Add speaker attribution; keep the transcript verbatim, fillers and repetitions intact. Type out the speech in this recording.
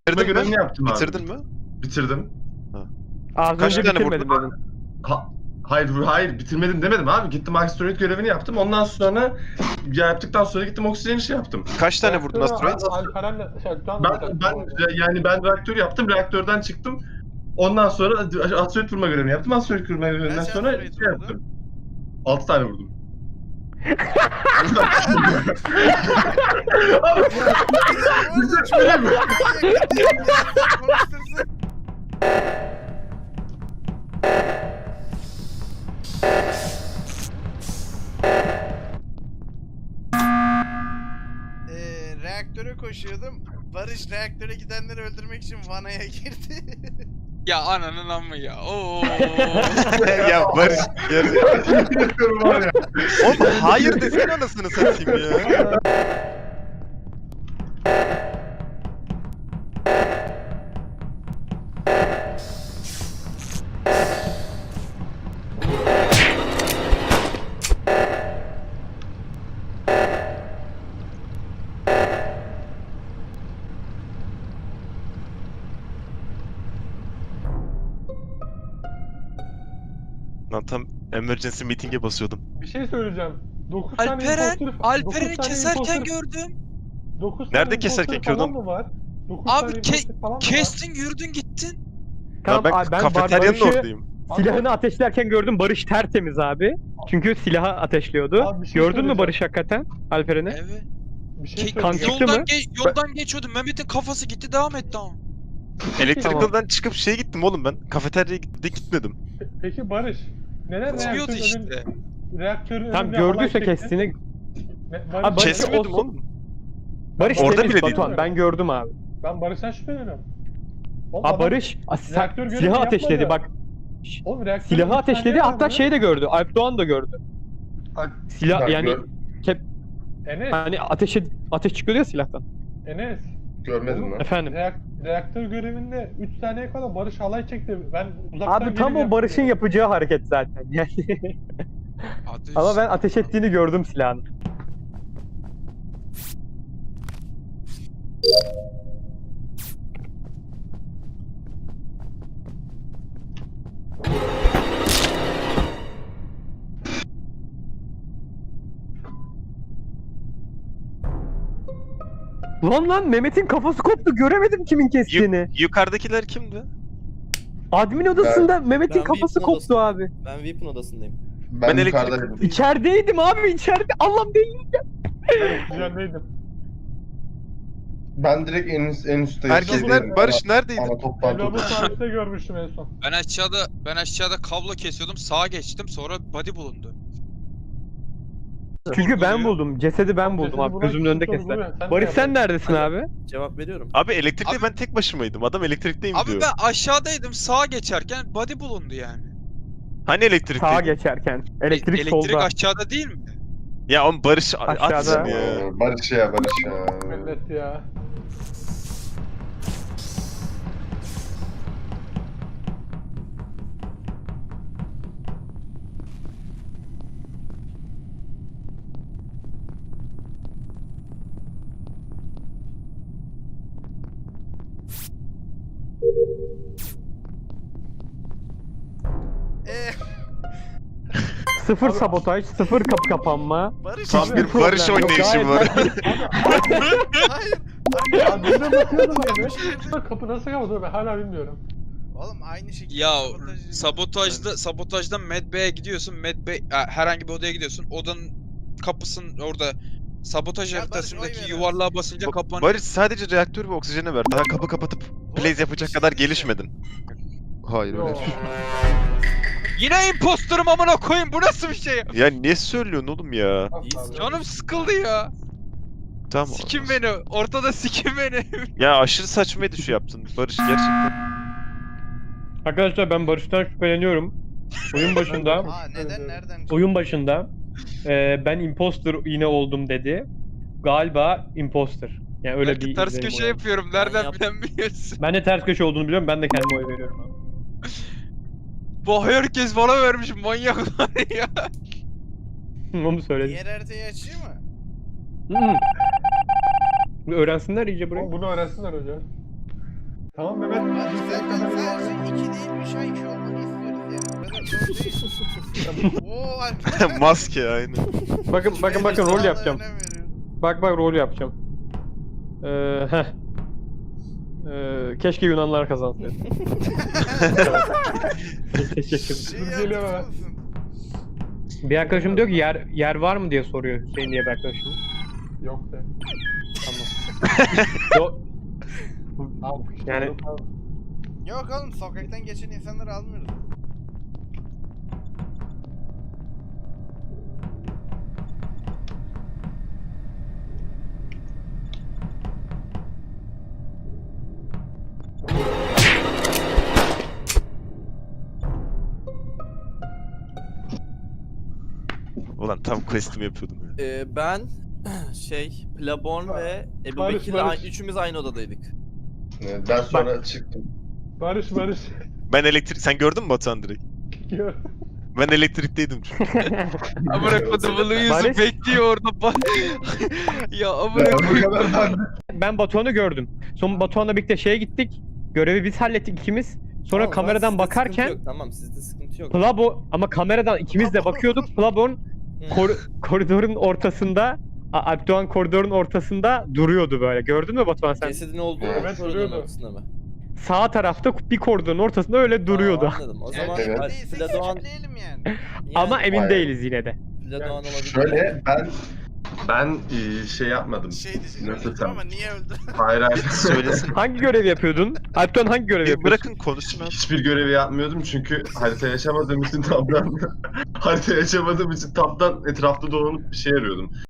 Speaker 1: Bitirme
Speaker 2: Bitirdin
Speaker 1: görevini
Speaker 2: mi?
Speaker 1: yaptım abi.
Speaker 2: Bitirdin mi?
Speaker 1: Bitirdim.
Speaker 3: Az
Speaker 2: Kaç
Speaker 3: önce
Speaker 2: tane
Speaker 3: bitirmedim
Speaker 2: vurdun?
Speaker 3: dedin.
Speaker 1: Ha, hayır hayır bitirmedim demedim abi. Gittim asteroid görevini yaptım. Ondan sonra ya yaptıktan sonra gittim oksijeni şey yaptım.
Speaker 2: Kaç tane vurdun asteroid?
Speaker 4: Alperen'le şey, Can
Speaker 1: Ben ben yani ben reaktör yaptım. Reaktörden çıktım. Ondan sonra asteroid vurma görevini yaptım. Asteroid vurma görevinden
Speaker 5: Kaç
Speaker 1: sonra
Speaker 5: asteroid
Speaker 1: şey
Speaker 5: vurdun?
Speaker 1: yaptım. altı tane vurdum.
Speaker 5: Eee reaktöre koşuyordum. Barış reaktöre gidenleri öldürmek için vanaya girdi.
Speaker 6: Ya ananın amma ya. Oo.
Speaker 2: Ya Barış. Geri.
Speaker 1: Yapıyorum var ya.
Speaker 2: Oğlum hayır desene anasını satayım ya. Lan tam emergency meeting'e basıyordum.
Speaker 4: Bir şey söyleyeceğim. dokuz tane
Speaker 6: Alperen,
Speaker 4: imposter-
Speaker 6: Alperen'i
Speaker 4: dokuz tane
Speaker 6: keserken
Speaker 4: imposter-
Speaker 6: gördüm.
Speaker 4: dokuz
Speaker 2: Nerede
Speaker 4: tane
Speaker 2: keserken
Speaker 4: imposter falan
Speaker 2: gördün?
Speaker 4: mı var? dokuz
Speaker 6: Abi
Speaker 4: tane
Speaker 6: ke-
Speaker 4: imposter falan mı var?
Speaker 6: Kestin, yürüdün, gittin.
Speaker 2: Ya ben,
Speaker 3: abi, ben
Speaker 2: kafeteryanın
Speaker 3: Barbaros'u
Speaker 2: oradayım.
Speaker 3: silahını ateşlerken gördüm. Barış tertemiz abi. Çünkü silahı ateşliyordu.
Speaker 4: Abi bir şey
Speaker 3: Gördün mü
Speaker 4: söyleyeceğim.
Speaker 3: Barış hakikaten Alperen'i?
Speaker 6: Evet.
Speaker 4: Bir şey
Speaker 6: Ke-
Speaker 3: kan
Speaker 4: söyleyeceğim.
Speaker 3: çıktı
Speaker 6: yoldan,
Speaker 3: mı?
Speaker 6: ge- yoldan geçiyordu. Mehmet'in kafası gitti, devam etti ama.
Speaker 2: Electrical'dan çıkıp şeye gittim oğlum ben. Kafeteryaya gitti, gitmedim.
Speaker 4: Peki Barış, neden
Speaker 6: Çıkıyordu
Speaker 4: reaktörün önün,
Speaker 6: işte.
Speaker 4: reaktörün
Speaker 3: Tam
Speaker 4: önünde
Speaker 3: gördüyse
Speaker 4: halay çekti?
Speaker 3: kestiğini.
Speaker 4: Ne- Barış,
Speaker 3: Abi Barış-
Speaker 2: Kesmedim
Speaker 3: o-
Speaker 2: oğlum.
Speaker 3: Barış
Speaker 2: Orada
Speaker 3: temiz
Speaker 2: bile değil.
Speaker 3: Batuhan. Ben gördüm abi.
Speaker 4: Ben Barış'tan şüpheleniyorum. Oğlum
Speaker 3: Aa
Speaker 4: adam-
Speaker 3: Barış a, sen-
Speaker 4: reaktör görevi
Speaker 3: silahı ateşledi
Speaker 4: yapmadı.
Speaker 3: bak.
Speaker 4: Oğlum reaktörün
Speaker 3: Silahı
Speaker 4: üç tane
Speaker 3: ateşledi hatta
Speaker 4: vardı.
Speaker 3: şey de gördü. Alp Doğan da gördü. Silah
Speaker 1: Bak,
Speaker 3: yani
Speaker 1: gör-
Speaker 4: Enes,
Speaker 3: hani ateş ateş çıkıyor ya silahtan.
Speaker 4: Enes.
Speaker 1: görmedim
Speaker 4: Oğlum,
Speaker 1: lan.
Speaker 3: Efendim.
Speaker 4: Reak- reaktör görevinde üç saniyeye kadar Barış halay çekti. Ben uzaktan
Speaker 3: Abi tam
Speaker 4: gelip
Speaker 3: o Barış'ın
Speaker 4: yaptım.
Speaker 3: yapacağı hareket zaten. Yani
Speaker 6: Ateş.
Speaker 3: ama ben ateş ettiğini gördüm silahın. Lan lan Mehmet'in kafası koptu. Göremedim kimin kestiğini.
Speaker 2: Yu- yukarıdakiler kimdi?
Speaker 3: Admin odasında Mehmet'in
Speaker 7: ben
Speaker 3: kafası
Speaker 7: V I P'in
Speaker 3: koptu abi.
Speaker 7: Ben V I P'in odasındayım.
Speaker 1: Ben,
Speaker 2: Ben
Speaker 1: yukarıdaydım.
Speaker 3: İçerideydim abi içeride. Allah'ım değil.
Speaker 4: Ben oksijendeydim.
Speaker 1: Ben direkt en, üst- en üstteyim.
Speaker 2: Herkes
Speaker 1: Şeydeydim,
Speaker 2: nerede? Barış neredeydin?
Speaker 1: Ana toplantı.
Speaker 4: Elbabı serviste görmüştüm en son.
Speaker 6: Ben aşağıda ben aşağıda kablo kesiyordum. Sağa geçtim. Sonra body bulundu.
Speaker 3: Çünkü ben
Speaker 6: Sorguluyor.
Speaker 3: buldum. Cesedi ben buldum
Speaker 4: Cesedi
Speaker 3: abi.
Speaker 4: bulan
Speaker 3: Gözümün önünde
Speaker 4: kişi
Speaker 3: kestiler.
Speaker 4: sorguluyor. Sen
Speaker 3: Barış
Speaker 4: ne
Speaker 3: sen
Speaker 4: yapıyorsun?
Speaker 3: neredesin abi?
Speaker 7: Cevap veriyorum.
Speaker 2: Abi elektrikte
Speaker 6: Abi-
Speaker 2: ben tek başımaydım. Adam elektrikteyim
Speaker 6: Abi
Speaker 2: diyor.
Speaker 6: ben aşağıdaydım. Sağa geçerken body bulundu yani.
Speaker 2: Hani elektrikteydi?
Speaker 3: Sağa geçerken. Elektrik,
Speaker 6: Elektrik
Speaker 3: solda.
Speaker 6: aşağıda değil mi?
Speaker 2: Ya oğlum Barış
Speaker 3: Aşağıda.
Speaker 2: atsın ya.
Speaker 1: Ee, Barış ya Barış ya.
Speaker 4: Millet ya.
Speaker 5: Eee
Speaker 3: Sıfır sabotaj, sıfır kapı kapanma.
Speaker 5: Barış
Speaker 2: Tam
Speaker 5: abi.
Speaker 2: bir
Speaker 3: problem
Speaker 2: Barış
Speaker 3: yok.
Speaker 2: oynayışı
Speaker 3: Gayet
Speaker 2: var.
Speaker 5: Hayır.
Speaker 4: Ya birine bakıyordum
Speaker 5: Bir
Speaker 4: abi.
Speaker 5: şey diyeceğim.
Speaker 4: Kapı nasıl kapatıyor ben hala bilmiyorum.
Speaker 5: Oğlum aynı şekilde
Speaker 6: Ya
Speaker 5: sabotaj-
Speaker 6: sabotajda sabotajda Medbay'e gidiyorsun. Medbay ha, herhangi bir odaya gidiyorsun. Odanın kapısının orada sabotaj
Speaker 5: Ya Barış,
Speaker 6: haritasındaki
Speaker 5: oy ver
Speaker 6: yuvarlığa basınca
Speaker 2: Ba-
Speaker 6: kapanıyor.
Speaker 2: Barış sadece reaktör ve oksijene ver. Daha kapı kapatıp blaze yapacak
Speaker 5: bir
Speaker 2: kadar
Speaker 5: şey
Speaker 2: gelişmedin. Hayır
Speaker 4: Yo.
Speaker 2: öyle değil.
Speaker 6: Yine imposter'ım amına koyayım. Bu nasıl bir şey?
Speaker 2: Ya niye söylüyorsun oğlum ya?
Speaker 4: Asla.
Speaker 6: Canım sıkıldı ya.
Speaker 2: Tamam.
Speaker 6: Sikin beni. Ortada sikin beni.
Speaker 2: Ya aşırı saçmaydı şu yaptın Barış gerçekten.
Speaker 3: Arkadaşlar ben Barış'tan şüpheleniyorum. Oyun başında,
Speaker 5: Aa neden nereden?
Speaker 3: oyun başında e, ben imposter yine oldum dedi. Galiba imposter. Yani öyle
Speaker 6: Belki
Speaker 3: bir
Speaker 6: ters
Speaker 3: izlenim
Speaker 6: köşe
Speaker 3: var.
Speaker 6: yapıyorum. Nereden
Speaker 7: yap-
Speaker 6: bilemiyorsun?
Speaker 3: Ben de ters köşe olduğunu biliyorum. Ben de kendime oy veriyorum abi.
Speaker 6: Bu herkes bana vermiş manyaklar ya.
Speaker 3: Onu söyledim.
Speaker 5: Diğer haritayı açayım mı?
Speaker 3: Hı. Öğrensinler iyice burayı.
Speaker 4: Oğlum bunu öğrensinler hocam. Tamam Mehmet.
Speaker 5: Barış
Speaker 4: biz
Speaker 5: senden
Speaker 4: kamerayı
Speaker 5: sadece
Speaker 4: bağlayalım.
Speaker 5: iki değil üç ay iki olmanı istiyoruz yani. Bu kadar zor değil. Oo arkadaşlar.
Speaker 2: Maske aynı.
Speaker 3: Bakın bakın bakın rol
Speaker 5: Sağlığa
Speaker 3: yapacağım.
Speaker 5: önem veriyor.
Speaker 3: Bak bak rol yapacağım. Ee, heh. Ee, keşke Yunanlar kazansaydı. Teşekkür ederim.
Speaker 5: Şeyi
Speaker 4: Dur, geliyor
Speaker 5: hatırlıyor
Speaker 4: hemen.
Speaker 5: musun?
Speaker 3: Bir arkadaşım diyor ki yer yer var mı diye soruyor Hüseyin diye bir arkadaşım.
Speaker 4: Yok de.
Speaker 3: Yo-
Speaker 4: Al.
Speaker 3: Yani-
Speaker 5: Yok oğlum sokaktan geçen insanları almıyoruz.
Speaker 2: Ulan tam quest'imi yapıyordum ya.
Speaker 7: Ee, ben şey Plaborn ve Ebu
Speaker 4: Barış,
Speaker 7: Bekir'le
Speaker 4: Barış.
Speaker 7: ay- üçümüz aynı odadaydık.
Speaker 1: Ben sonra çıktım.
Speaker 4: Barış Barış.
Speaker 2: Ben elektrik... Sen gördün mü Batuhan direkt?
Speaker 4: Gör.
Speaker 2: Ben elektrikteydim çünkü.
Speaker 6: Amına kodumun
Speaker 3: Barış-
Speaker 6: yüzü bekliyor orada bak. Ya amına
Speaker 1: Ben bu
Speaker 6: koyayım.
Speaker 1: kadar ben
Speaker 3: Ben Batuhan'ı gördüm. Sonra Batuhan'la birlikte şeye gittik. Görevi biz hallettik ikimiz. Sonra
Speaker 7: Tamam,
Speaker 3: kameradan
Speaker 7: sizde sıkıntı
Speaker 3: bakarken
Speaker 7: yok, tamam sizde sıkıntı yok.
Speaker 3: Plabo ama kameradan ikimiz de bakıyorduk. Plabo'nun
Speaker 7: Hı.
Speaker 3: kor- koridorun ortasında A- Alpdoğan koridorun ortasında duruyordu böyle. Gördün mü Batuhan sen?
Speaker 7: Cesedin olduğu
Speaker 4: Evet,
Speaker 7: koridorun
Speaker 4: duruyordu.
Speaker 7: ortasında mı?
Speaker 3: Sağ tarafta bir koridorun ortasında öyle duruyordu.
Speaker 7: Aa, anladım. O
Speaker 5: Yani
Speaker 7: zaman
Speaker 1: Evet.
Speaker 7: Al-
Speaker 5: değilse
Speaker 7: Pladoğan
Speaker 5: geçipleyelim yani.
Speaker 7: yani
Speaker 3: Ama emin
Speaker 1: Hayır.
Speaker 3: değiliz yine de.
Speaker 7: Pladoğan olabilir.
Speaker 1: Şöyle ben ben e, şey yapmadım.
Speaker 5: Şey diyeceğim
Speaker 1: Nasıl
Speaker 5: öldüm
Speaker 1: sen?
Speaker 5: ama niye öldü?
Speaker 1: Hayır hayır.
Speaker 2: Söylesin.
Speaker 3: Hangi görevi yapıyordun? Alpdoğan hangi görevi
Speaker 2: Bir
Speaker 3: yapıyordun?
Speaker 2: bırakın konuşsun abi.
Speaker 1: Hiçbir görevi yapmıyordum çünkü harita yaşamadığım için tabdan harita yaşamadığım için tabdan etrafta dolanıp bir şey arıyordum.